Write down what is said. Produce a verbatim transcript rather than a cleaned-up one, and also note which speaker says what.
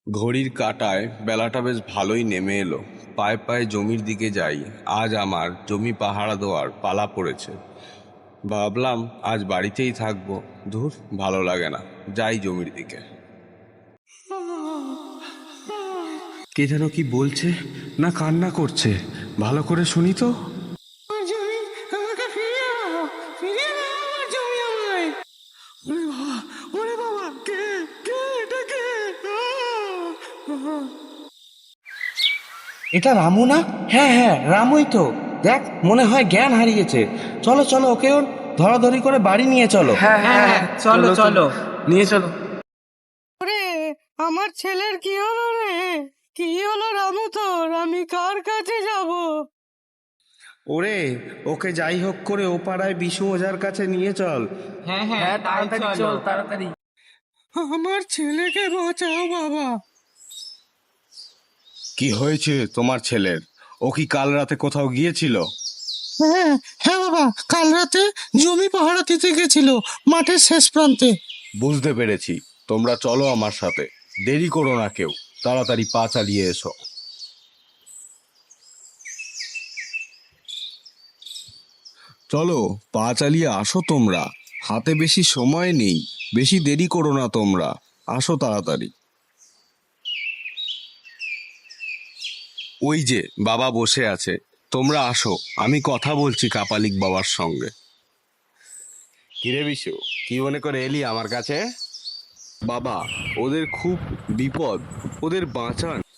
Speaker 1: ঘড়ির কাঁটায় বেলাটা বেশ ভালোই নেমে এলো। পায়ে পায়ে জমির দিকে যাই। আজ আমার জমি পাহারা দেওয়ার পালা পড়েছে। ভাবলাম আজ বাড়িতেই থাকবো। ধুর, ভালো লাগে না, যাই জমির দিকে। কে যেন কি বলছে না কান্না করছে, ভালো করে শুনি তো।
Speaker 2: জমি আমাকে ফিরিয়ে দাও, ফিরিয়ে দাও আমার জমি আমায়। ওরে বাবা, ওরে বাবা, কে কে এটা কে? আহ!
Speaker 3: এটা রামু না? হ্যাঁ হ্যাঁ, রামুই তো। দেখ, মনে হয় জ্ঞান হারিয়েছে। চলো চলো, ওকেও ধরাধরি করে বাড়ি নিয়ে চলো।
Speaker 4: হ্যাঁ হ্যাঁ হ্যাঁ, চলো চলো, নিয়ে চলো।
Speaker 2: ওরে, আমার ছেলের কি হলো রে? কি হলো রামু তোর? আমি কার কাছে যাব?
Speaker 3: ওরে, ওকে যাই হোক করে ও পাড়ায় বিশু ওঝার কাছে নিয়ে চল।
Speaker 4: হ্যাঁ হ্যাঁ, তাড়াতাড়ি চল, তাড়াতাড়ি।
Speaker 2: আমার ছেলেকে বাঁচাও বাবা।
Speaker 1: কি হয়েছে তোমার ছেলের? ও কি কাল রাতে কোথাও গিয়েছিল?
Speaker 2: হ্যাঁ হ্যাঁ বাবা, কাল রাতে জমি পাহারা দিতে গেছিল মাঠের শেষ প্রান্তে।
Speaker 1: বুঝতে পেরেছি, তোমরা চলো আমার সাথে। দেরি করো না কেউ, তাড়াতাড়ি পা চালিয়ে এসো। চলো, পা চালিয়ে আসো তোমরা। হাতে বেশি সময় নেই, বেশি দেরি করো না তোমরা। আসো তাড়াতাড়ি। ওই যে বাবা বসে আছে, তোমরা আসো, আমি কথা বলছি কাপালিক বাবার সঙ্গে। কিরে বিশু, কি মনে করে এলি আমার কাছে? বাবা, ওদের খুব বিপদ, ওদের বাঁচান।